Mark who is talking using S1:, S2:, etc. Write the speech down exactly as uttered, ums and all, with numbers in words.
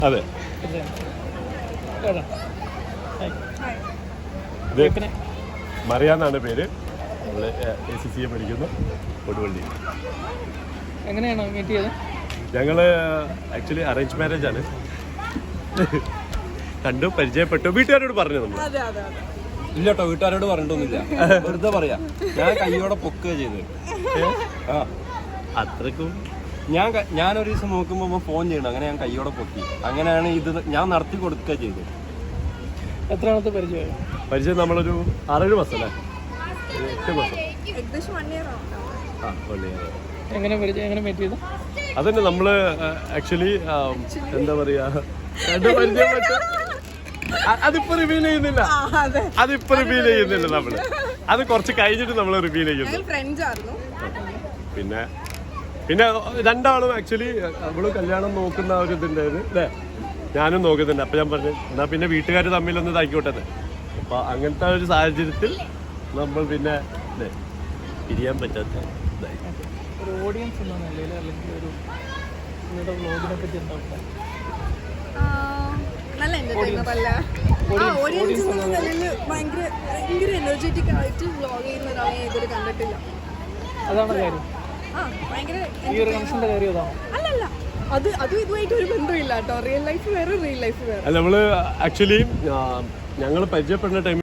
S1: അതെ. മറിയാന്നാണ് പേര്. നമ്മള് എ സി സി എ പഠിക്കുന്നു കൊടുവള്ളി.
S2: എങ്ങനെയാണോ മീറ്റ് ചെയ്തത്?
S1: ഞങ്ങള് ആക്ച്വലി അറേഞ്ച് മാരേജ് ആണ്. കണ്ടു, പരിചയപ്പെട്ടു. വീട്ടുകാരോട് പറഞ്ഞു നമ്മൾ?
S3: ഇല്ല കേട്ടോ, വീട്ടുകാരോട് പറഞ്ഞിട്ടൊന്നുമില്ല, വെറുതെ പറയാ. ഞാൻ കയ്യോടെ പൊക്കുക ചെയ്തത്. ആ
S1: അത്രക്കും
S3: ഞാൻ ഞാനൊരു ദിവസം നോക്കുമ്പോൾ ഫോൺ ചെയ്യണം, അങ്ങനെ ഞാൻ കയ്യോടെ പൊക്കി. അങ്ങനെയാണ് ഇത് ഞാൻ നടത്തി കൊടുക്കുക ചെയ്തത്.
S2: എത്രാമത്തെ പരിചയം?
S1: പരിചയം നമ്മളൊരു ആറേഴ് മാസം അല്ലേ, എട്ട് മാസം.
S2: എങ്ങനെ പരിചയം, എങ്ങനെ മീറ്റ് ചെയ്തു?
S1: അതന്നെ നമ്മള് ആക്ച്വലി എന്താ പറയാ, കണ്ട് പരിചയപ്പെട്ടു. അതിപ്പോ റിവീൽ ചെയ്യുന്നില്ല, അതിപ്പോ റിവീൽ ചെയ്യുന്നില്ല നമ്മള്. അത് കുറച്ച് കഴിഞ്ഞിട്ട് നമ്മൾ റിവീൽ ചെയ്യുന്നു. പിന്നെ പിന്നെ രണ്ടാളും ആക്ച്വലി അവള് കല്യാണം നോക്കുന്ന ഒരു ഇതുണ്ടായിരുന്നു അല്ലേ, ഞാനും നോക്കുന്നുണ്ട്. അപ്പൊ ഞാൻ പറഞ്ഞു എന്നാ പിന്നെ വീട്ടുകാർ തമ്മിലൊന്ന് ഇതാക്കിക്കോട്ടെ. അപ്പൊ അങ്ങനത്തെ ഒരു സാഹചര്യത്തിൽ നമ്മൾ പിന്നെ അല്ലേ പിരിയാൻ പറ്റാത്ത
S2: ഒരു ഓഡിയൻസ് എന്ന നിലയിൽ അല്ലെങ്കിൽ ഒരു നിങ്ങളുടെ വ്ലോഗിനെ പറ്റി എന്താ അഭിപ്രായം?
S4: നല്ല എന്റർടൈനർ അല്ല. ഓഡിയൻസ് എന്ന നിലയിൽ ഭയങ്കര ഭയങ്കര എനർജറ്റിക് ആയിട്ട് വ്ലോഗ് ചെയ്യുന്ന ഒരാളെ ഞാൻ ഇതുവരെ കണ്ടിട്ടില്ല.
S2: അതാണ് കാര്യം.
S4: ആ ഭയങ്കര
S2: ഈ ഒരു കണക്ഷന്റെ കാര്യം അതാണോ?
S4: അല്ലല്ല, അത് അതും ഇതുമായിട്ട് ഒരു ബന്ധമില്ല കേട്ടോ. റിയൽ ലൈഫ് വേറെ, റിയൽ ലൈഫ് വേറെ.
S1: നമ്മള് ആക്ച്വലി ഞങ്ങൾ പരിചയപ്പെടുന്ന ടൈം